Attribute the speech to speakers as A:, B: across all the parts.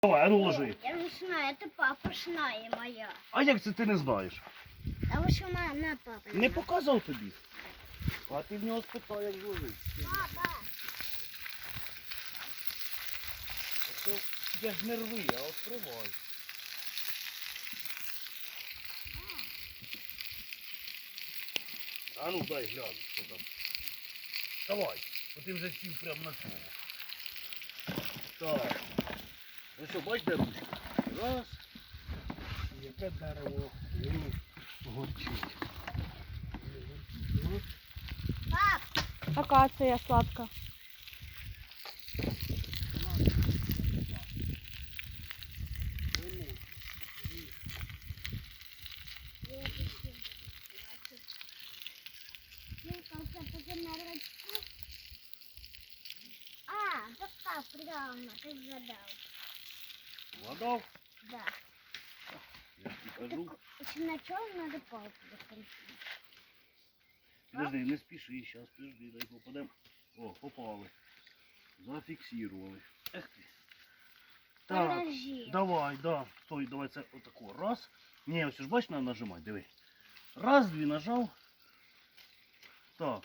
A: Давай, а ну ложи.
B: Я не знаю, это папа знає моя.
A: А як це ти не знаєш?
B: Тому що на папа.
A: Не показав тобі. А ти в нього спитай, як ложить.
B: Папа.
A: Я ж не рви, а відкривай. А ну дай гляну, що там. Давай, бо ти вже сів прямо на цьому. Так. Ну що, бач, де ручка? Раз. Яке дерево горчить.
B: Пап.
C: Акація сладка.
B: А, так, правильно, ты задал.
A: Вгадав?
B: Да.
A: Я ж тобі кажу.
B: Сначала надо палку закрутить.
A: Подожди, не спіши, зараз подожди, дай попадемо. О, попали. Зафіксували. Ех ти. Так,
B: Подожди.
A: давай, да. Стой, давай це отако. Раз. Ні, ось ж бач, треба нажимати, диви. Раз, дві нажав. Так.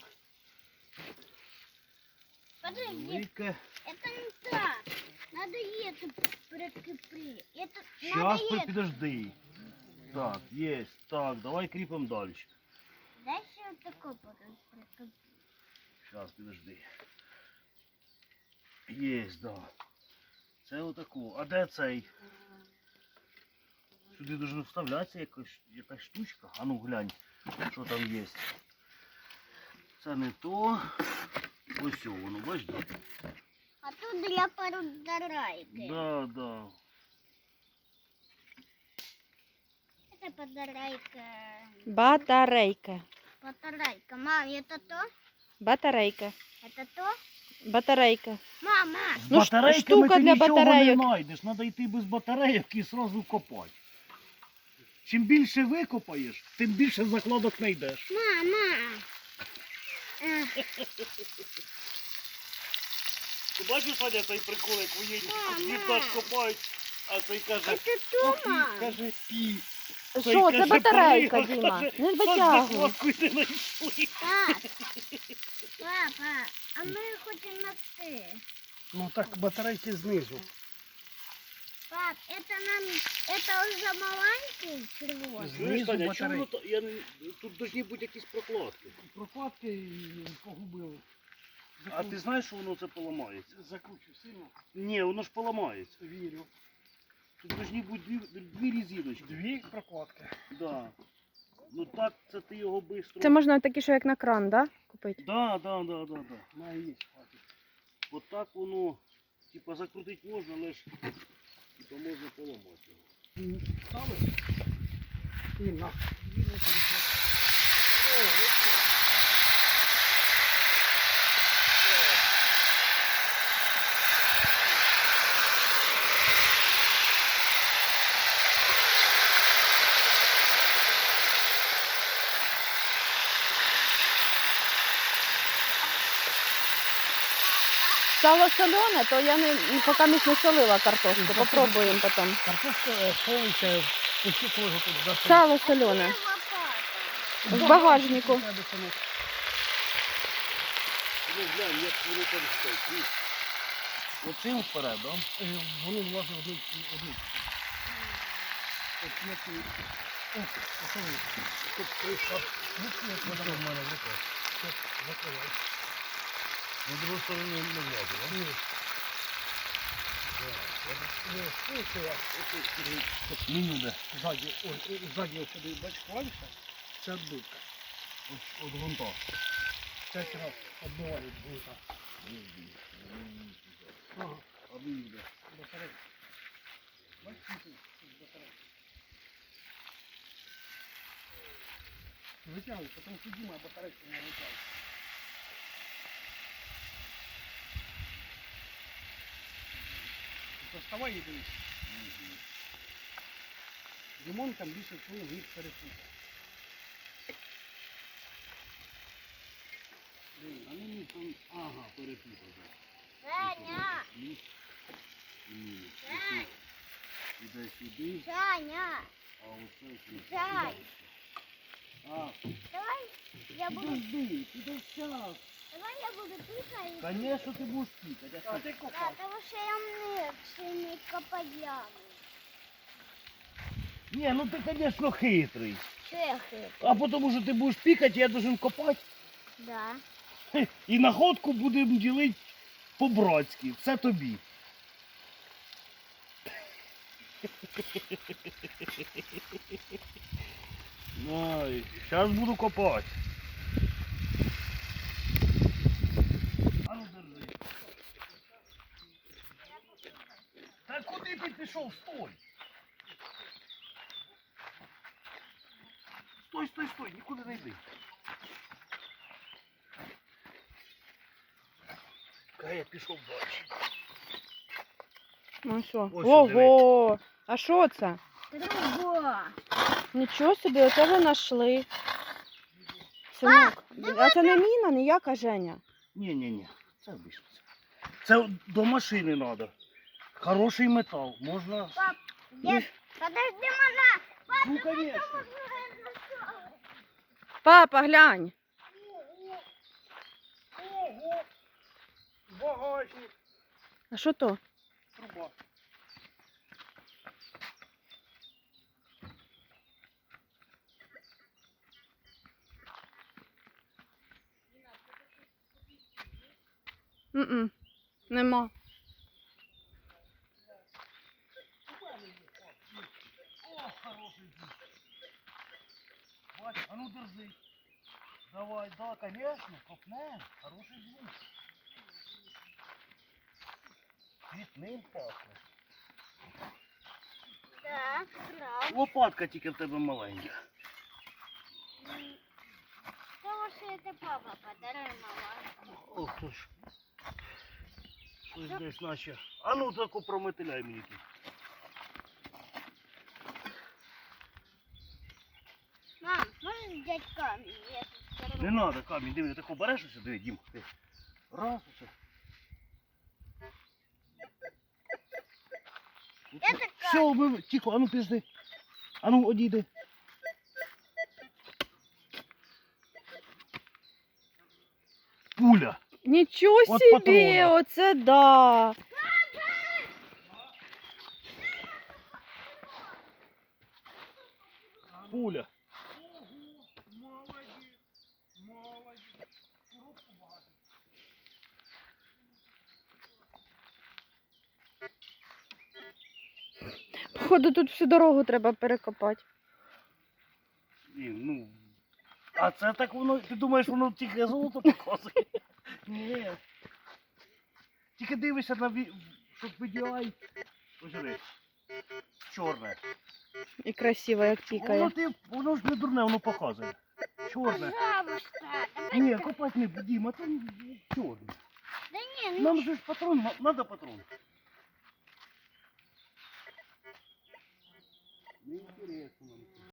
B: Подожди,
A: Велике.
B: это не так. Надо это прикрепить. Это
A: Щас,
B: надо это.
A: подожди. Так, є. Так, давай кріпимо далі.
B: Дай еще вот такой потом прикрепить.
A: Щас, подожди. Є, да. Це отако. А де цей? Сюди должна вставлятися якась штучка. А ну глянь, що там є. Це не то. Ось воно, бачиш?
B: А тут для подарайки.
A: Да, да.
B: Это подарайка.
C: Батарейка.
B: Подарайка. Мам, это то?
C: Батарейка.
B: Это то?
C: Батарейка.
B: Мама.
A: З
C: Ну,
A: батарейками
C: штука
A: ти
C: для
A: нічого
C: батарейок.
A: не знайдеш. Треба йти без батарейок і одразу копати. Чим більше викопаєш, тим більше закладок знайдеш.
B: Мама.
A: Ти бачиш, Саня, цей прикол, як воєнні
B: Мама.
A: вітаж копають, а цей каже,
B: Это то, мам?
A: каже, пі.
C: Що, це батарейка,
A: приїхав,
C: Діма.
A: каже,
C: Не
A: «От
C: витягуй.
A: закладку не знайшли.
B: Пап. Папа, а мы хотим на ты.
D: Ну так батарейки знизу.
B: Пап, это уже маленький червоный?
D: Знизу
A: Знаєш, Саня, чому
D: батарейки.
A: воно тут повинні бути якісь прокладки.
D: Прокладки погубили.
A: А ти знаєш, що воно це поламається?
D: Закручу сильно.
A: Ні, воно ж поламається.
D: Вірю.
A: Тут повинні бути дві резиночки.
D: Дві прокладки.
A: Да. Ну так, це ти його швидко.
C: Це можна такі, що як на кран, да? Купити?
A: Да.
D: Має є хватить.
A: От так воно, типа, закрутити можна, але ж типа, можна поламати його.
D: Стали? І на.
C: Сало солене, то я поки не солила картошку. Попробуємо потім.
D: Картошка солиться, пусти кожу тут до
C: Сало солене. В багажнику.
A: Ну, глянь, як воно там стоїть, видиш? Оцим вперед, да?
D: Вони влазять одну. От як і... О, оце вони. Тут кришка. Ну, як вода в мене в руках. Тут закривай.
A: На другу сторону не влазить, да?
D: Ні. Ні, це я.
A: Міню де?
D: Ззаді ось сюди, бач, клавіша. Це відбивка.
A: От грунта.
D: 5 раз відбивають гвинта. Ага.
A: А міню де?
D: Батарейка. Бачиш, тут батарейка. Витягуй, потім підійма батарейку не витягуй. Доставай і дивись. Димон там більше всього їх перепутав.
A: А мені там, ага, перепутав.
B: Саня.
A: Плюс і мінус.
B: Сань.
A: іде сюди,
B: Саня,
A: а оце сюди.
B: Зай.
A: А,
B: давай я буду,
A: підожди, зараз.
B: давай я буду пикать.
A: Конечно, ти будеш пікати.
D: А ти
B: Да,
D: копав.
B: потому что я не копать яму.
A: Ні, ну ти, конечно, хитрий.
B: Что я хитрый?
A: А потому що ти будеш пікати, я должен копати.
B: Да.
A: І находку будемо ділити по-братськи. Все тобі. Ой, зараз буду копати. А ну держи. Та куди ти пішов? Стой! Стой, стой, стой, нікуди не йди. Я пішов далі.
C: Ну що?
A: Ось
C: Ого! А що це?
B: Труба.
C: Нічого собі, оце ви знайшли. Синок, а це не міна ніяка, Женя?
A: Ні, це обійшло. Це до машини треба. Хороший метал, можна...
B: Пап, дед, подожди, мама.
A: Ну, конечно.
C: Папа, глянь.
D: Ого! Багажник.
C: А що то?
D: Труба.
C: М-м, нема.
A: О, хороший дід. Бач, а ну держи. Давай, да, конечно, копнем. Хороший звук. Цвітним пахне.
B: Да, прав.
A: Лопатка тільки в тебе маленька.
B: Потому что это папа подарил мама.
A: Ох ти ж. Ось десь наче. А ну таку прометеляй мені тут.
B: Мам, можешь взять камень? Я тут
A: Не
B: второй.
A: треба камінь, диви, ти тако береш ось, диви, Дім. Ти. Раз усе.
B: Это
A: Все, ми... тихо, а ну пізди. А ну одійди. Пуля.
C: Нічого
A: От
C: собі,
A: патрона.
C: оце да.
A: Пуля.
D: Молодець. Молодець. Коробку багато.
C: Походу, тут всю дорогу треба перекопати.
A: Ні, ну. А це так воно, ти думаєш, воно тільки золото показує? Ні. Тільки дивишся на щоб VDI. Ось диви. Чорне.
C: І красиво, як тікає.
A: Воно ж не дурне, воно показує. Чорне.
B: Пожалуйста. Давай.
A: Ні, копати не будемо, а там чорне.
B: Да не, ну
A: Нам же ж патрон, треба патрон.